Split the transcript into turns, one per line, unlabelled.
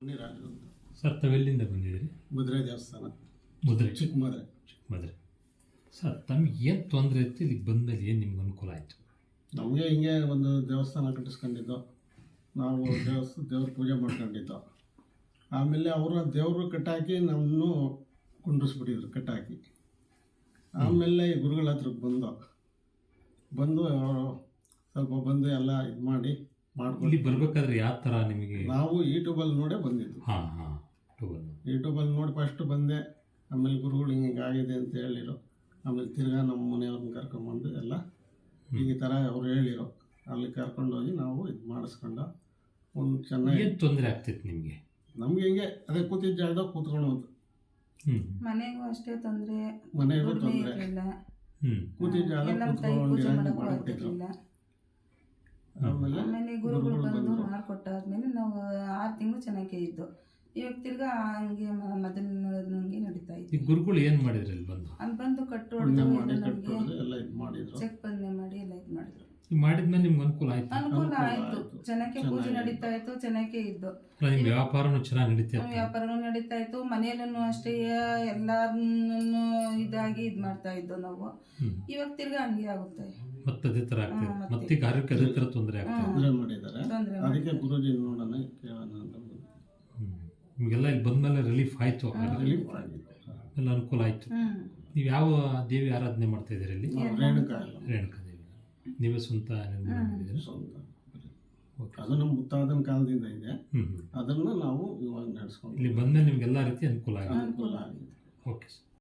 ರಾಜು ಅಂತ.
ಸರ್ ತಾವೆಲ್ಲಿಂದ ಬಂದಿದ್ದೀರಿ?
ಮುದ್ರೆ ದೇವಸ್ಥಾನ,
ಮುದ್ರೆ,
ಚಿಕ್ಕಮದ್ರೆ.
ಸರ್ ತಮಗೆ ಏನು ತೊಂದರೆ ಇತ್ತು? ಇಲ್ಲಿಗೆ ಬಂದಮೇಲೆ ಏನು ನಿಮ್ಗೆ ಅನುಕೂಲ ಆಯಿತು?
ನಮಗೆ ಹಿಂಗೆ ಒಂದು ದೇವಸ್ಥಾನ ಕಟ್ಟಿಸ್ಕೊಂಡಿದ್ದು, ನಾವು ದೇವ್ರ ಪೂಜೆ ಮಾಡ್ಕೊಂಡಿದ್ದು. ಆಮೇಲೆ ಅವರ ದೇವರು ಕಟ್ಟಾಕಿ ನಮ್ಮನ್ನು ಕುಂಡ್ರಿಸ್ಬಿಟ್ಟಿದ್ರು ಕಟ್ಟಾಕಿ. ಆಮೇಲೆ ಈ ಗುರುಗಳ ಹತ್ರಕ್ಕೆ ಬಂದು ಅವರು ಸ್ವಲ್ಪ ಬಂದು ಎಲ್ಲ ಇದು ಮಾಡಿ ಮಾಡ್ಕೊಂಡು.
ಇಲ್ಲಿ ಬರಬೇಕಾದ್ರೆ ಯಾವ ಥರ ನಿಮಗೆ?
ನಾವು ಯೂಟ್ಯೂಬಲ್ಲಿ ನೋಡೇ ಬಂದಿದ್ದು. ಯೂಟ್ಯೂಬಲ್ಲಿ ನೋಡಿ ಫಸ್ಟ್ ಬಂದೆ. ಆಮೇಲೆ ಗುರುಗಳು ಹಿಂಗೆ ಆಗಿದೆ ಅಂತ ಹೇಳಿರು. ಆಮೇಲೆ ತಿರ್ಗಾ ನಮ್ಮ ಮನೆಯವ್ರನ್ನ ಕರ್ಕೊಂಬಂದು ಎಲ್ಲ ಈ ಥರ ಅವ್ರು ಹೇಳಿರು. ಅಲ್ಲಿ ಕರ್ಕೊಂಡೋಗಿ ನಾವು ಇದು ಮಾಡಿಸ್ಕೊಂಡು ಒಂದು ಚೆನ್ನಾಗಿ.
ಏನು ತೊಂದರೆ ಆಗ್ತಿತ್ತು ನಿಮಗೆ?
ನಮ್ಗೆ ಹಿಂಗೆ ಅದೇ ಕೂತಿದ್ದ ಜಾಗದಾಗ ಕೂತ್ಕೊಳ್ಳೋದು.
ಮನೆಗೂ ಅಷ್ಟೇ ತೊಂದರೆ,
ಮನೆಗೂ ತೊಂದರೆ, ಕೂತಿದ್ದ ಜಾಗ ಕೂತ್ಕೊಂಡಿರೋ.
ಆಮೇಲೆ ಗುರುಗಳು ಬಂದು ಮಾಡಿಕೊಟ್ಟಾದ್ಮೇಲೆ ನಾವು 6 ತಿಂಗಳು ಚೆನ್ನಾಗೇ ಇದ್ದು. ಇವಾಗ ತಿರ್ಗಾ ಹಂಗೆ ಮೊದಲಿನಂಗೆ ನಡೀತಾ ಇತ್ತು.
ಗುರುಗಳು ಏನು ಮಾಡಿದ್ರು ಅಲ್ಲಿ ಬಂದು?
ಅಲ್ಲಿ ಬಂದು ಕಟ್ಟು ಚೆಕ್ ಬಂದೆ ಮಾಡಿ ಎಲ್ಲ ಇದು ಮಾಡಿದ್ರು.
ಮಾಡಿದ್ಮೇಲೆ ನಿಮ್ಗೆ ಅನುಕೂಲ ಆಯ್ತು?
ಅನುಕೂಲ ಆಯ್ತು, ಚೆನ್ನಾಗಿ ಪೂಜೆ ನಡೀತಾ ಇತ್ತು, ಚೆನ್ನಾಗೇ ಇದ್ದು.
ನಿಮ್ಮ ವ್ಯಾಪಾರನೂ ಚೆನ್ನಾಗಿ ನಡೀತಾ ಇತ್ತು?
ವ್ಯಾಪಾರನೂ ನಡೀತಾ ಇತ್ತು. ಮನೆಯಲ್ಲೂ ಅಷ್ಟೇ ಎಲ್ಲಾರನ್ನು ಇದಾಗಿ ಇದು ಮಾಡ್ತಾ ಇದ್ದು ನಾವು. ಇವಾಗ ತಿರ್ಗಾ ಹಂಗೆ ಆಗುತ್ತೆ,
ಮತ್ತೆ ಅದೇ ಥರ ಆಗ್ತದೆ. ಮತ್ತೆ ಆರೋಗ್ಯ ಅದೇ ಥರ ತೊಂದರೆ ಆಗ್ತದೆ.
ಅದಕ್ಕೆ ಗುರುಜಿ ನೋಡೋಣ ಕೇಳೋಣ ಅಂತ.
ನಿಮಗೆಲ್ಲ ಇಲ್ಲಿ ಬಂದಮೇಲೆ ರಿಲೀಫ್ ಆಯಿತು? ಎಲ್ಲ ಅನುಕೂಲ ಆಯಿತು. ನೀವು ಯಾವ ದೇವಿ ಆರಾಧನೆ ಮಾಡ್ತಾ ಇದ್ದೀರಿ ಇಲ್ಲಿ?
ರೇಣುಕಾ
ದೇವಿ. ನೀವೇ ಸ್ವಂತ ನಿರ್ಮಾಣ ಮಾಡಿದ್ದೀರಿ?
ಅದು ನಮ್ಮ ಮುತ್ತಾದನ ಕಾಲದಿಂದ ಇದೆ. ಅದನ್ನು ನಾವು ಇವಾಗ ನಡೆಸ್ಕೊಂಡು
ಇಲ್ಲಿ ಬಂದಮೇಲೆ ನಿಮಗೆಲ್ಲ ರೀತಿ ಅನುಕೂಲ ಆಗಿದೆ.
Okay sir.